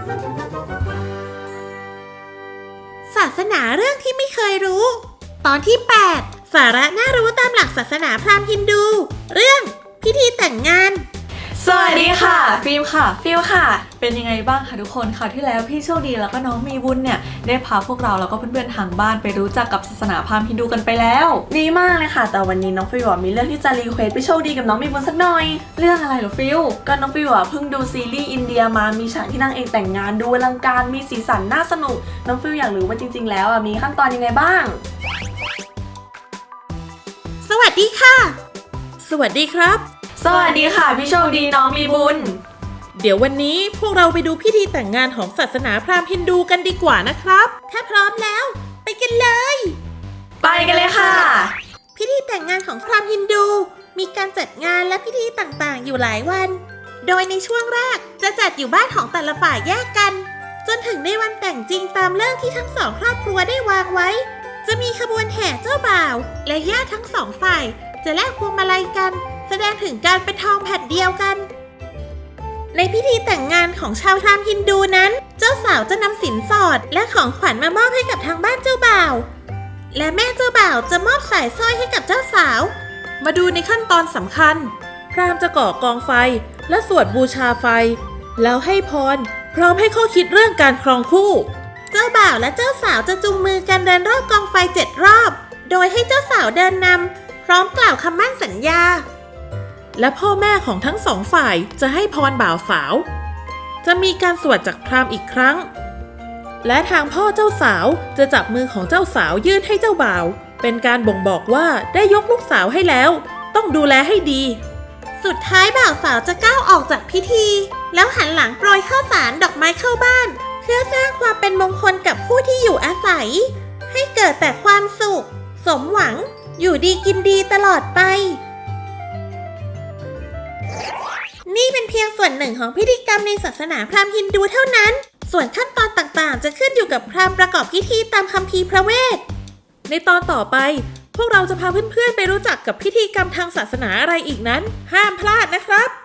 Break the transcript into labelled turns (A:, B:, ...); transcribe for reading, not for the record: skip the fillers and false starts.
A: ศาสนาเรื่องที่ไม่เคยรู้ ตอนที่ 8 สาระน่ารู้ตามหลักศาสนาพราหมณ์ฮินดู เรื่องพิธีแต่งงาน
B: สวัสดีค่ะฟิล์มค่ะฟิลค่ะเป็นยังไงบ้างคะทุกคนคราวที่แล้วพี่โชคดีแล้วก็น้องมีบุญเนี่ยได้พาพวกเราแล้วก็เพื่อนๆทางบ้านไปรู้จักกับศาสนาพราหมณ์ฮินดูกันไปแล้ว
C: ดีมากเลยค่ะแต่วันนี้น้องฟิวมีเรื่องที่จะรีเควสพี่โชคดีกับน้องมีบุญสักหน่อย
B: เรื่องอะไรเหรอฟิล
C: ก็น้องฟิวเพิ่งดูซีรีส์อินเดียมามีฉากที่นางเอกแต่งงานดูอลังการมีสีสันน่าสนุกน้องฟิวอยากรู้ว่าจริงๆแล้วมีขั้นตอนยังไงบ้าง
A: สวัสดีค่ะสวัสดีครับ
B: สวัสดีค่ะพี่โชคดีน้องมีบุญ
A: เดี๋ยววันนี้พวกเราไปดูพิธีแต่งงานของศาสนาพราหมณ์ฮินดูกันดีกว่านะครับถ้าพร้อมแล้วไปกันเลย
B: ไปกันเลยค่ะ
A: พิธีแต่งงานของพราหมณ์ฮินดูมีการจัดงานและพิธีต่างๆอยู่หลายวันโดยในช่วงแรกจะจัดอยู่บ้านของแต่ละฝ่ายแยกกันจนถึงในวันแต่งจริงตามฤกษ์ที่ทั้งสองครอบครัวได้วางไว้จะมีขบวนแห่เจ้าบ่าวและญาติทั้งสองฝ่ายจะแลกพวงมาลัยกันแสดงถึงการเป็นทองแผ่นเดียวกันในพิธีแต่งงานของชาวพราหมณ์ฮินดูนั้นเจ้าสาวจะนำสินสอดและของขวัญมามอบให้กับทางบ้านเจ้าบ่าวและแม่เจ้าบ่าวจะมอบสายสร้อยให้กับเจ้าสาวมาดูในขั้นตอนสำคัญพราหมณ์จะก่อกองไฟและสวดบูชาไฟแล้วให้พรพร้อมให้ข้อคิดเรื่องการครองคู่เจ้าบ่าวและเจ้าสาวจะจูงมือกันเดินรอบกองไฟ7 รอบโดยให้เจ้าสาวเดินนำพร้อมกล่าวคำมั่นสัญญาและพ่อแม่ของทั้งสองฝ่ายจะให้พรบ่าวสาวจะมีการสวดจากพราหมณ์อีกครั้งและทางพ่อเจ้าสาวจะจับมือของเจ้าสาวยื่นให้เจ้าบ่าวเป็นการบ่งบอกว่าได้ยกลูกสาวให้แล้วต้องดูแลให้ดีสุดท้ายบ่าวสาวจะก้าวออกจากพิธีแล้วหันหลังโปรยข้าวสารดอกไม้เข้าบ้านเพื่อสร้างความเป็นมงคลกับผู้ที่อยู่อาศัยให้เกิดแต่ความสุขสมหวังอยู่ดีกินดีตลอดไปนี่เป็นเพียงส่วนหนึ่งของพิธีกรรมในศาสนาพราหมณ์ฮินดูเท่านั้นส่วนขั้นตอนต่างๆจะขึ้นอยู่กับพราหมณ์ประกอบพิธีตามคัมภีร์พระเวทในตอนต่อไปพวกเราจะพาเพื่อนๆไปรู้จักกับพิธีกรรมทางศาสนาอะไรอีกนั้นห้ามพลาดนะครับ